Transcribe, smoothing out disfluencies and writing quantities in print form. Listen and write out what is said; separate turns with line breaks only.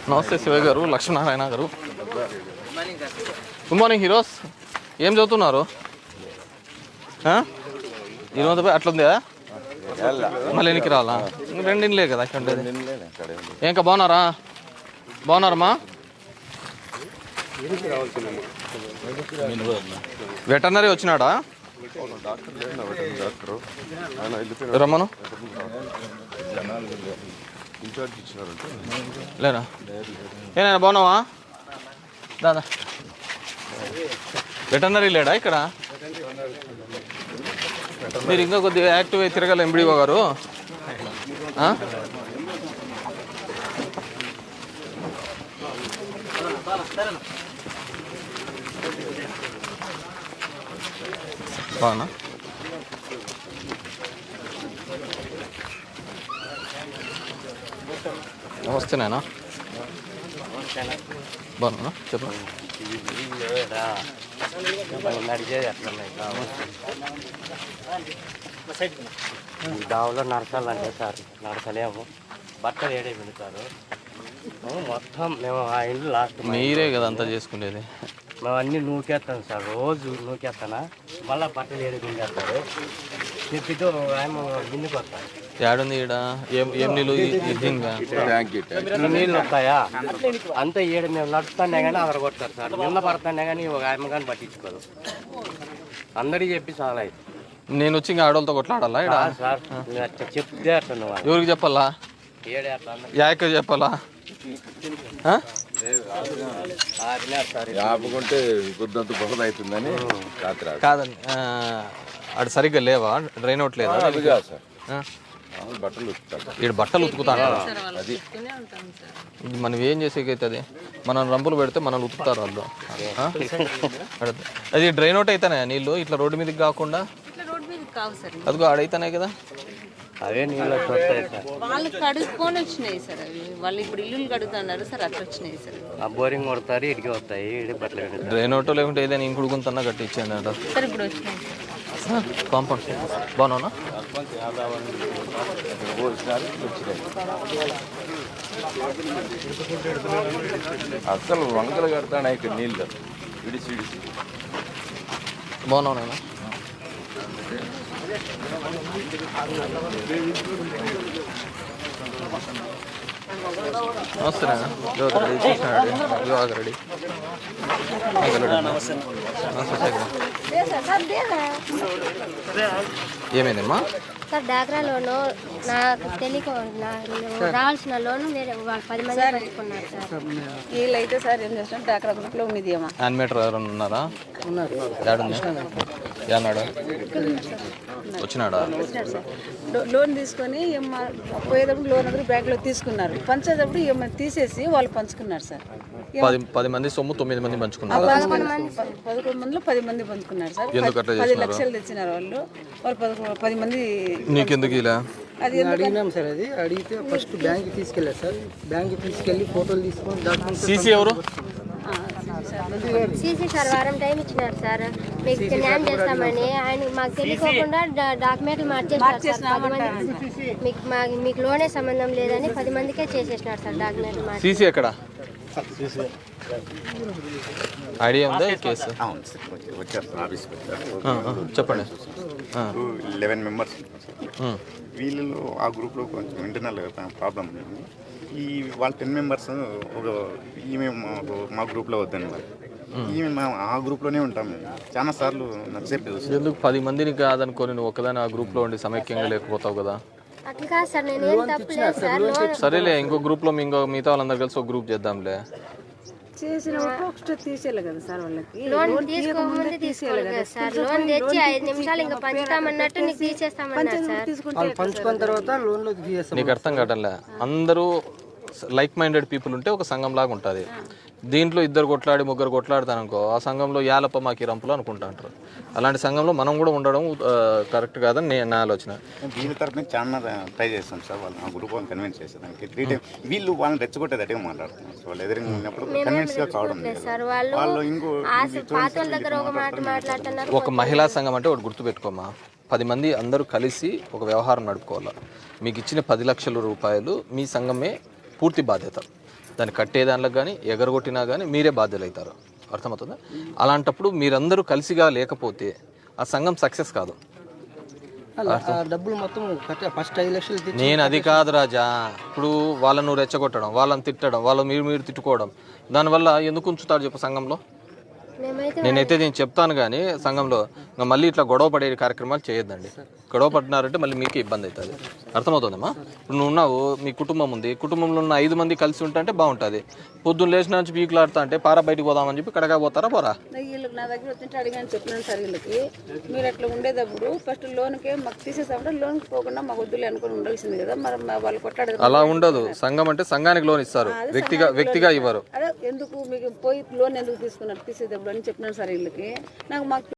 నమస్తే శివయ్య గారు, లక్ష్మీనారాయణ గారు. Good morning heroes. ఏం చదువుతున్నారు? ఈరోజు అట్లుందా? మళ్ళీ ఎన్నికి రావాలా? రెండింటిలే కదా ఇక్కడ ఉండేది. ఇంకా బాగున్నారమ్మా? వెటర్నరీ వచ్చినాడా? రమ్మను. లేనా? ఏనా బాగున్నావా? దాదా వెటర్నరీ లేడా ఇక్కడ? మీరు ఇంకా కొద్దిగా యాక్టివ్ అయి తిరగాలి ఎంబీడీఓ గారు. బాగున్నా? నమస్తే నాయన. బాగున్నా? చెప్పండి.
దావులో నడచాలంటే సార్ నడచలేము. బట్టలు ఏడే పెడతారు మొత్తం. మేము ఆ ఇల్లు లాస్ట్
మీరే కదా అంతా చేసుకునేది.
మేము అన్నీ నూకేస్తాం సార్, రోజు నూకేస్తానా. మళ్ళీ బట్టలు ఏడే పిండేస్తారు. చెప్పితో ఆయన బిందుకు వస్తాయి.
ఏడుంది ఈడ? ఏం నీళ్ళు?
నీళ్ళు వస్తాయా అంతా ఏడు. మేము నడుస్తానే కానీ అదర కొడతారు సార్. నిన్న పడతానే కానీ ఒక ఆయన కానీ పట్టించుకోరు. అందరికీ చెప్పి చాలా అయితే
నేను వచ్చి ఇంకా ఆడవాళ్ళతో కొట్లాడాలా ఇక్కడ?
సార్ చెప్తే అట్లా నువ్వు
ఎవరికి చెప్పాలా?
ఏడే అట్లా
యాక చెప్పాలా?
ఆపుకుంటే గుద్దంత బహుళ అవుతుందని
కాదండి. అటు సరిగ్గా లేవా? డ్రైన్ అవుట్ లేదా?
బట్టలు
ఇక్కడ బట్టలు ఉతుకుతా అంటారా? అది మనం ఏం చేసేకైతుంది? మనం రంపులు పెడితే మనల్ని ఉతుకుతారు వాళ్ళు. అది డ్రైన్ అవుట్ అయితేనే నీళ్ళు ఇట్లా రోడ్డు మీదకి కాకుండా అదిగో ఆడైతేనే కదా.
అవే నీళ్ళు వస్తాయి సార్.
వాళ్ళు కడుక్కొని వచ్చినాయి సార్. అవి వాళ్ళు ఇప్పుడు ఇల్లు కడుగుతున్నారు సార్. అట్లా వచ్చినాయి సార్.
ఆ బోరింగ్ కొడతారు, ఇటుకి వస్తాయి, ఇటు బట్టలు.
డ్రైన్ అవుట్ లేకుంటే ఏదైనా ఇంకుడుకుంటున్నా కట్టి ఇచ్చేయండి అంట
సార్. ఇప్పుడు వచ్చినాయి
సార్. కాంపౌండ్ బాగున్నా?
అసలు వంకలు కడతాను ఇక్కడ నీళ్ళు విడిచి
బాగున్నావు నేను. నమస్తే రెడీ చూసినాడు. యువక రెడీ. ఏమైందమ్మా?
సార్ డాక్రా లోను నాకు తెలియక రావాల్సిన లోను వేరే 10 మంది పెట్టుకున్నారు సార్.
వీళ్ళైతే సార్ ఏం చేస్తున్నారు? డాక్రా గ్రూప్లో ఉంది.
యానిమేటర్ ఎవరైనా ఉన్నారా? ఏనాడు వచ్చినాడా?
లోన్ తీసుకొని పోయేటప్పుడు లోన్ అందరూ బ్యాంకులో తీసుకున్నారు. పంచేటప్పుడు ఏమైనా తీసేసి వాళ్ళు పంచుకున్నారు సార్.
10 మంది సొమ్ము 9 మంది పంచుకున్నారు.
11 మందిలో 10 మంది పంచుకున్నారు సార్. 10 లక్షలు తెచ్చినారు వాళ్ళు. 10 మంది.
నీకెందుకు ఇలా?
అది
అడిగినాం సార్. అది అడిగితే ఫస్ట్ బ్యాంక్కి తీసుకెళ్ళారు సార్. బ్యాంక్కి తీసుకెళ్ళి ఫోటోలు తీసుకొని డాక్యుమెంట్స్.
సీసీ ఎవరు?
సీసీ సార్ వారం టైం ఇచ్చినారు సార్. మీకు న్యాయం చేస్తామని ఆయన మాకు తెలియకోకుండా డాక్యుమెంట్లు మార్చేసినారు సార్. 10 మంది మీకు లోనే సంబంధం లేదని 10 మందికే చేసేసినారు సార్ డాక్యుమెంట్లు మార్చి.
సీసీ ఎక్కడ? ఐడియా ఉందా కేసు?
వచ్చారు ఆఫీస్కి వచ్చారు.
చెప్పండి.
11 మెంబర్స్ వీళ్ళు ఆ గ్రూప్లో కొంచెం ఇంటర్నల్ ప్రాబ్లం ఉంది. ఈ వాళ్ళ 10 మెంబర్స్ ఈమె మా గ్రూప్లో వద్దండి. ఈమె ఆ గ్రూప్లోనే ఉంటాం మేము. చాలా సార్లు నచ్చేపు.
ఎందుకు 10 మందిని కాదనుకోని నువ్వు ఒకదాని ఆ గ్రూప్లో ఉండి సమైక్యంగా లేకపోతావు కదా?
అట్లా కాదు సార్. నేనేం తప్పలేదు సార్.
సరేలే, ఇంకో గ్రూప్లో మిగతా వాళ్ళందరూ కలిసి ఒక గ్రూప్ చేద్దాంలే.
చేసినప్పుడు ఒకటి తీసేయాలి కదా సార్. వాళ్ళకి
లోన్ తీసుకోకముందే తీసుకోవాలి కదా సార్. లోన్ తెచ్చి 5 నిమిషాలు ఇంకా పంచుతామన్నట్టు నీకు తీసేస్తామన్నారు సార్.
పంచుకున్న తర్వాత లోన్లో తీసేస్తాం.
నీకు అర్థం కావట్లే. అందరూ లైక్ మైండెడ్ పీపుల్ ఉంటే ఒక సంఘం లాగా ఉంటుంది. దీంట్లో 2 కొట్లాడి 3 కొట్లాడతాననుకో, ఆ సంఘంలో యాలప్ప మాకి రంపులు అనుకుంటా అంటారు. అలాంటి సంఘంలో మనం కూడా ఉండడం కరెక్ట్ కాదని నా ఆలోచన.
వీళ్ళ తరఫున చాలా ట్రై చేస్తాం సార్. వాళ్ళు ఆ గ్రూప్ వాళ్ళని కన్విన్స్ చేసేదానికి 3 టైం వీళ్ళు వాళ్ళని రెచ్చగొట్టేదట్టుగా మాట్లాడుతున్నారు. సో వాళ్ళు ఎదురుగా ఉన్నప్పుడు కన్విన్స్గా కావడం
సార్. వాళ్ళు ఇంకో పాత వాళ్ళ దగ్గర ఒక మాట మాట్లాడుతున్నారు.
ఒక మహిళా సంఘం అంటే ఒకటి గుర్తుపెట్టుకోమా, 10 మంది అందరూ కలిసి ఒక వ్యవహారం నడుపుకోవాలి. మీకు ఇచ్చిన 10 లక్షల రూపాయలు మీ సంఘమే పూర్తి బాధ్యత. దాన్ని కట్టే దానిలో కానీ ఎగరగొట్టినా కానీ మీరే బాధ్యులు అవుతారు. అర్థమవుతుందా? అలాంటప్పుడు మీరందరూ కలిసిగా లేకపోతే ఆ సంఘం సక్సెస్ కాదు.
ఆ డబ్బులు మొత్తం ఫస్ట్ 5 లక్షలు తెచ్చి
నేను అది కాదు రాజా. ఇప్పుడు వాళ్ళను రెచ్చగొట్టడం, వాళ్ళని తిట్టడం, వాళ్ళు మీరు తిట్టుకోవడం, దానివల్ల ఎందుకు ఉంచుతారు చెప్పు సంఘంలో? నేనైతే నేను చెప్తాను కానీ సంఘంలో ఇంకా మళ్ళీ ఇట్లా గొడవ పడే కార్యక్రమాలు చేయొద్దండి. గొడవ పడినారంటే మళ్ళీ మీకు ఇబ్బంది అవుతుంది. అర్థమవుతుందమ్మా? ఇప్పుడు నువ్వు ఉన్నావు, మీ కుటుంబం ఉంది, కుటుంబంలో ఉన్న 5 మంది కలిసి ఉంటే బాగుంటుంది. పొద్దున్న లేచిన నుంచి పీకులాడుతా అంటే పారా బయటికి పోదామని చెప్పి కడగా పోతారా పోరా?
వీళ్ళకి నా దగ్గర వచ్చింటే అడిగాను, చెప్పినాను సార్ వీళ్ళకి, మీరు అట్లా ఉండేటప్పుడు ఫస్ట్ లోన్కే మాకు తీసేసామంటే లోన్కి పోకుండా మాకు వద్దులే అనుకుని ఉండాల్సింది కదా, మరి వాళ్ళు కొట్లాడదు.
అలా ఉండదు. సంఘం అంటే సంఘానికి లోన్ ఇస్తారు, వ్యక్తిగా ఇవ్వరు.
అదే ఎందుకు మీకు పోయి లోన్ ఎందుకు తీసుకున్నారు తీసేటప్పుడు అని చెప్పినాను సార్ వీళ్ళకి. నాకు మాకు